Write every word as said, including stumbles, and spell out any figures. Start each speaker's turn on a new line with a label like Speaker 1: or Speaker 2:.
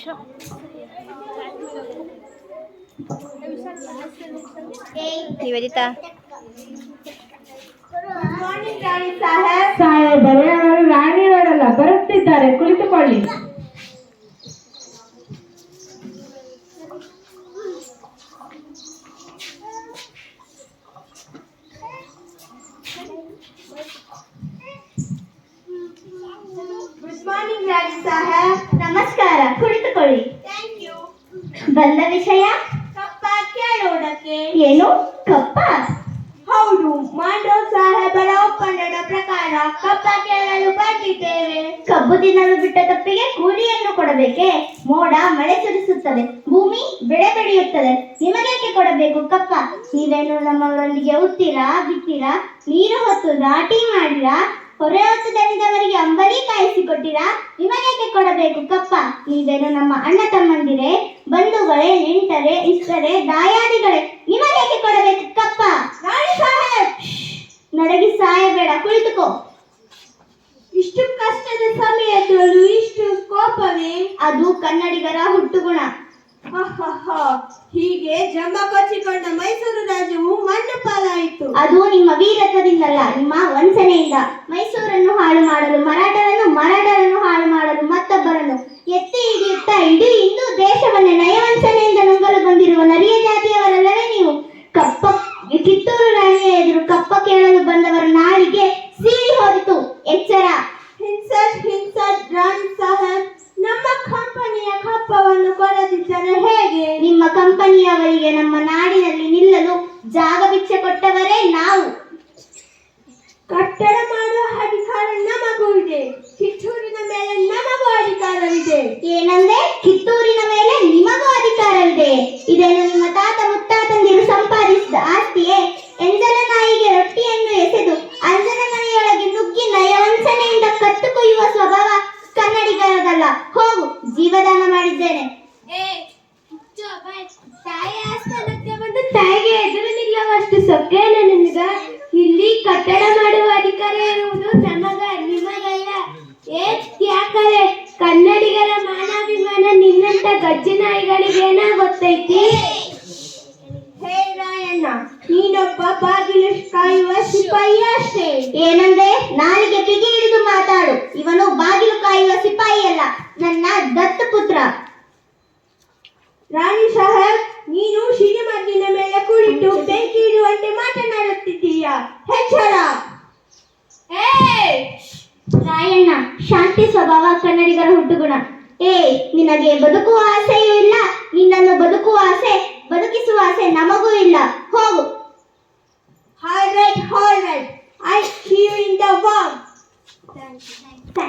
Speaker 1: ನಿವೇದಿತಾ
Speaker 2: ಸಾಹೇಬರೇ, ಅವರು ರಾಣಿಯವರಲ್ಲ, ಬರುತ್ತಿದ್ದಾರೆ, ಕುಳಿತುಕೊಳ್ಳಿ.
Speaker 3: ಗುಡ್ ಮಾರ್ನಿಂಗ್ ರಾಣಿ ಸಾಹೇಬ್. ನಮಸ್ಕಾರ, ಕುಳಿತುಕೊಳ್ಳಿ. Thank you. ಬಂದ ವಿಷಯ ಕಪ್ಪ ಕೇಳೋದಕ್ಕೆ. ಏನು ಕಪ್ಪ? ಹೌದು, ಮಾಂಡೋ ಸಾಹೇಬರ ಒಪ್ಪಂದದ ಪ್ರಕಾರ ಕಪ್ಪ ಕೇಳಲು ಬಂದಿದ್ದೇವೆ. ಕಬ್ಬು ತಿನ್ನಲು ಬಿಟ್ಟ ತಪ್ಪಿಗೆ ಕೂಲಿಯನ್ನು ಕೊಡಬೇಕೆ? ಮೋಡ ಮಳೆ ಸುರಿಸುತ್ತದೆ, ಭೂಮಿ ಬೆಳೆ ಬೆಳೆಯುತ್ತದೆ, ನಿಮಗೇಕೆ ಕೊಡಬೇಕು ಕಪ್ಪ? ನೀವೇನು ನಮ್ಮವರೊಂದಿಗೆ ಉತ್ತೀರಾ, ಬಿತ್ತೀರಾ, ನೀರು ಹೊತ್ತು ನಾಟಿ ಮಾಡಿರಾ, ಹೊರೆ ಹೊತ್ತು ದಣಿದವರಿಗೆ ಅಂಬಲಿ ಕಾಯಿಸಿಕೊಟ್ಟಿರಾ? ನಿಮಗೇಕೆ ಕೊಡಬೇಕು ಕಪ್ಪ? ನೀವೇನು ನಮ್ಮ ಅಣ್ಣ ತಮ್ಮಂದಿರೇ, ಬಂಧುಗಳೇ, ನೆಂಟರೇ, ಇಷ್ಟರೇ, ದಾಯಾದಿಗಳೇ, ನಿಮಗೇಕೆ ಕೊಡಬೇಕು ಕಪ್ಪ? ರಾಣಿ ಸಾಹೇಬ್, ನಡಗಿ ಸಾಯಬೇಡ, ಕುಳಿತುಕೋ. ಇಷ್ಟು ಕಷ್ಟದ ಸಮಯದಲ್ಲೂ ಇಷ್ಟು ಕೋಪವೇ? ಅದು ಕನ್ನಡಿಗರ ಹುಟ್ಟುಗುಣ. ಹೀಗೆ ಜಂಬ ಕೊಚ್ಚಿಕೊಂಡ ಮೈಸೂರು ರಾಜ್ಯವು ಮಣ್ಣು ಪಾಲಾಯಿತು. ಅದು ನಿಮ್ಮ ವೀರತ್ವದಿಂದಲ್ಲ, ನಿಮ್ಮ ವಂಚನೆಯಿಂದ. ಮೈಸೂರನ್ನು ಹಾಳು ಮಾಡಲು ಮರಾಠರನ್ನು, ಮರಾಠರನ್ನು ಹಾಳು ಮಾಡಲು ಮತ್ತೊಬ್ಬರನ್ನು ಎತ್ತಿ ಹಿಡಿಯುತ್ತಾ ಇಡೀ ಹಿಂದೂ ದೇಶವನ್ನೇ ನಯವಂಚನೆಯಿಂದ ನುಂಗಲು ಬಂದಿರುವ ನರಿಯ ಜಾತಿಯವರಲ್ಲವೇ ನೀವು? ಕಪ್ಪ ಕಿತ್ತೂರು ರಾಣಿಯ ಎದುರು ಕಪ್ಪ ಕೇಳಲು ಬಂದವರ ನಾಳಿಗೆ ಸೀಳಿ ಹೋದಿತು. ಎಚ್ಚರ. ಹಿನ್ಸರ್ ಹಿನ್ಸರ್ ರಾಣಿ ಸಾಹೇಬ್, ನಮ್ಮ ಕಂಪನಿಯ ಕಪ್ಪವನ್ನು ಕೊಡದಿದ್ದರೆ ಹೇಗೆ? ನಿಮ್ಮ ಕಂಪನಿಯವರಿಗೆ ನಮ್ಮ ನಾಡಿನಲ್ಲಿ ನಿಲ್ಲಲು ಜಾಗ ಭಿಕ್ಷೆ ಕೊಟ್ಟವರೇ ನಾವು. ಕಟ್ಟಡ ಮಾಡುವ ಅಧಿಕಾರ ನಮಗೂ ಇದೆ, ಕಿತ್ತೂರಿನ ಮೇಲೆ ನಮಗೂ ಅಧಿಕಾರವಿದೆ. ಏನಂದ್ರೆ? ಕಿತ್ತೂರಿನ ಮೇಲೆ ನಿಮಗೂ ಅಧಿಕಾರವಿದೆ. ಇದೇನು ನಿಮ್ಮ ತಾತ ಮುತ್ತಾತಂದಿರು ಸಂಪಾದಿಸಿದ ಆಸ್ತಿಯೇ? ಎಂಜಲ ನಾಯಿಗೆ ರೊಟ್ಟಿಯನ್ನು ಎಸೆದು ಅಂಜನ ಮನೆಯೊಳಗೆ ನುಗ್ಗಿ ನಯವಂಚನೆಯಿಂದ ಕತ್ತು ಕೊಯ್ಯುವ ಸ್ವಭಾವ ಕನ್ನಡಿಗರದಲ್ಲ. ಹೋಗು, ಜೀವದಾನ ಮಾಡಿದ್ದೇನೆ. ತಾಯಿ ಆಸ್ಥಾನಕ್ಕೆ ಬಂದು ತಾಯಿಗೆ ಎದುರು ನಿಲ್ಲುವಷ್ಟು ಸೊಕ್ಕೇನ ನಿನಗ? ಇಲ್ಲಿ ಕಟ್ಟಡ ಮಾಡುವ ಅಧಿಕಾರ ಇರುವುದು ನಮಗ, ನಿಮಗಲ್ಲ. ಏ ಯಾಕರೆ ಕನ್ನಡಿಗರ ಮಾನಾಭಿಮಾನ ನಿನ್ನಂತ ಗಜ್ಜಿ ನಾಯಿಗಳಿಗೇನ ಗೊತ್ತೈತಿ? ಹೇ ರಾಯಣ್ಣ, ನೀನೊಬ್ಬ ಬಾಗಿಲು ಕಾಯುವ ಸಿಪಾಯಿ ಅಷ್ಟೇ. ಏನಂದ್ರೆ? ನಾಲಿಗೆ ಬಿಗಿ ಹಿಡಿದು ಮಾತಾಡು. ಇವನು ಬಾಗಿಲು ಕಾಯುವ ಸಿಪಾಯಿ ಅಲ್ಲ, ನನ್ನ ದತ್ತು ಪುತ್ರ. ರಾಣಿ ಸಾಹೇಬ್, ನೀನು ಸಿಡಿಮದ್ದಿನ ಮೇಲೆ ಕುಳಿತು ಬೆಂಕಿ ಇಡುವಂತೆ ಮಾತನಾಡುತ್ತಿದ್ದೀಯಾ? ಎಚ್ಚರ. ರಾಯಣ್ಣ, ಶಾಂತಿ ಸ್ವಭಾವ ಕನ್ನಡಿಗರ ಹುಟ್ಟುಗುಣ. ಏ, ನಿನಗೆ ಬದುಕುವ ಆಸೆಯೂ ಇಲ್ಲ, ನಿನ್ನನ್ನು ಬದುಕುವ ಆಸೆ, ಬದುಕಿಸುವ ಆಸೆ ನಮಗೂ ಇಲ್ಲ. ಹೋಗು. All right, all right. I see you in the world. Thank you.